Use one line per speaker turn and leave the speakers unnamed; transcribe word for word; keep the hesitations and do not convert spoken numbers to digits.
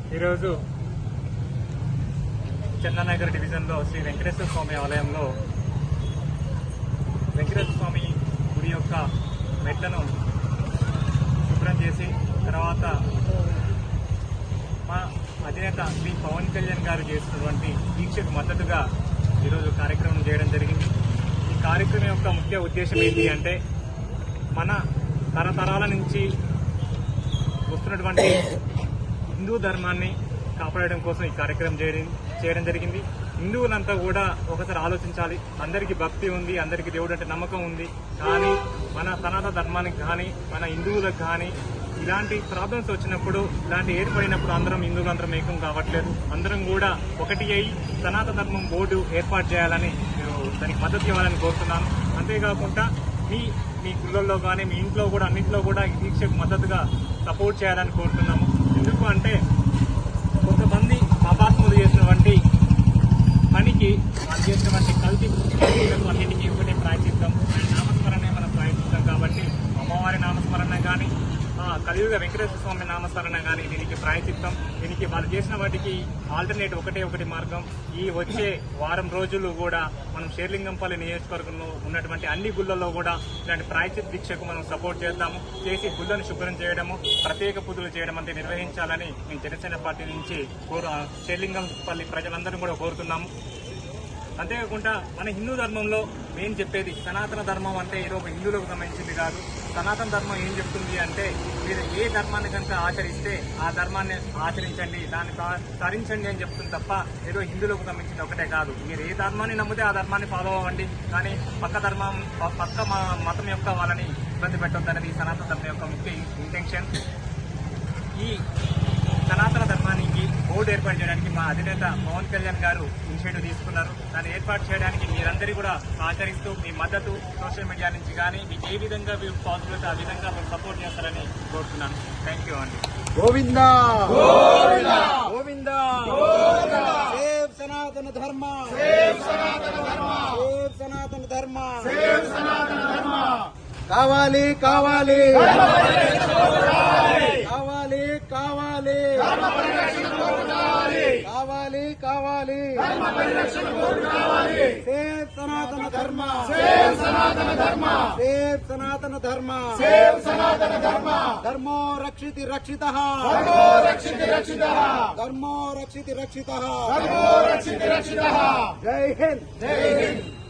ఈరోజు చందానగర్ డివిజన్లో శ్రీ వెంకటేశ్వర స్వామి ఆలయంలో వెంకటేశ్వర స్వామి గుడి యొక్క మెట్లను శుభ్రం చేసి తర్వాత మా అధినేత శ్రీ పవన్ కళ్యాణ్ గారు చేసినటువంటి దీక్షకు మద్దతుగా ఈరోజు కార్యక్రమం చేయడం జరిగింది. ఈ కార్యక్రమం యొక్క ముఖ్య ఉద్దేశం ఏంటి అంటే మన తరతరాల నుంచి వస్తున్నటువంటి హిందూ ధర్మాన్ని కాపాడడం కోసం ఈ కార్యక్రమం చేయడం చేయడం జరిగింది. హిందువులంతా కూడా ఒకసారి ఆలోచించాలి. అందరికీ భక్తి ఉంది, అందరికీ దేవుడు అంటే నమ్మకం ఉంది. కానీ మన సనాతన ధర్మానికి కానీ మన హిందువులకు కానీ ఇలాంటి ప్రాబ్లమ్స్ వచ్చినప్పుడు, ఇలాంటి ఏర్పడినప్పుడు అందరం హిందువులు అందరం ఏకం కావట్లేదు. అందరం కూడా ఒకటి అయి సనాతన ధర్మం బోర్డు ఏర్పాటు చేయాలని దానికి మద్దతు ఇవ్వాలని కోరుతున్నాను. అంతేకాకుండా మీ మీ గుళ్ళల్లో కానీ మీ ఇంట్లో కూడా అన్నింటిలో కూడా ఈ దీక్షకు మద్దతుగా సపోర్ట్ చేయాలని కోరుతున్నాము. ఎందుకు అంటే కొంతమంది పాపాత్ములు చేసినటువంటి పనికి వాళ్ళు చేసినటువంటి కల్తీ అన్నింటికీ ఒకటే ప్రాయచిత్తం, నామస్మరణే మనం ప్రాయచిత్తం. కాబట్టి అమ్మవారి నామస్మరణ కానీ కలియుగ వెంకటేశ్వర స్వామి నామస్మరణ కానీ దీనికి ప్రాయచిత్తం. దీనికి వాళ్ళు చేసిన వాటికి ఆల్టర్నేట్ ఒకటే ఒకటి మార్గం. ఈ వచ్చే వారం రోజులు కూడా మనం షేర్లింగంపల్లి నియోజకవర్గంలో ఉన్నటువంటి అన్ని గుళ్ళల్లో కూడా ఇలాంటి ప్రాయచిత్త దీక్షకు మనం సపోర్ట్ చేద్దాము. చేసి గుళ్ళను శుభ్రం చేయడము, ప్రత్యేక పూజలు చేయడం అంటే నిర్వహించాలని మేము జనసేన పార్టీ నుంచి కోరు షేర్లింగంపల్లి ప్రజలందరూ కూడా కోరుతున్నాము. అంతేకాకుండా మన హిందూ ధర్మంలో మేము చెప్పేది సనాతన ధర్మం అంటే ఏదో ఒక హిందువులకు సంబంధించింది కాదు. సనాతన ధర్మం ఏం చెప్తుంది అంటే మీరు ఏ ధర్మాన్ని కనుక ఆచరిస్తే ఆ ధర్మాన్ని ఆచరించండి, దాన్ని తరించండి అని చెప్తుంది తప్ప ఏదో హిందువులకు సంబంధించింది ఒకటే కాదు. మీరు ఏ ధర్మాన్ని నమ్మితే ఆ ధర్మాన్ని ఫాలో అవ్వండి, కానీ పక్క ధర్మం పక్క మతం యొక్క వాళ్ళని ఇబ్బంది పెట్టొద్దనేది ఈ సనాతన ధర్మం యొక్క ముఖ్య ఇంటెన్షన్. ఈ సనాతన ధర్మానికి బోర్డు ఏర్పాటు చేయడానికి మా అధినేత పవన్ కళ్యాణ్ గారు ఇనిషియేటివ్ తీసుకున్నారు. దాన్ని ఏర్పాటు చేయడానికి మీరందరూ కూడా ఆచరిస్తూ మీ మద్దతు సోషల్ మీడియా నుంచి కానీ మీకు ఏ విధంగా మీరు పాజిటివ్ ఆ విధంగా మీరు సపోర్ట్ చేస్తారని కోరుతున్నాను. థ్యాంక్ యూ అండి.
గోవిందా గోవిందా సేవ్ సనాతన ధర్మ, సేవ్ సనాతన ధర్మ, సేవ్ సనాతన ధర్మ, సేవ్ సనాతన ధర్మ. కావాలి కావాలి కావాలి కావాలి కావాలి కావాలి సేవ్ సనాతన ధర్మ, సేవ్ సనాతన ధర్మ, సేవ్ సనాతన ధర్మ, సేవ్ సనాతన ధర్మ. ధర్మో రక్షితి రక్షితః, ధర్మో రక్షితి రక్షితః, ధర్మో రక్షితి రక్షితః, ధర్మో రక్షితి రక్షితః. జై హింద్, జై హింద్.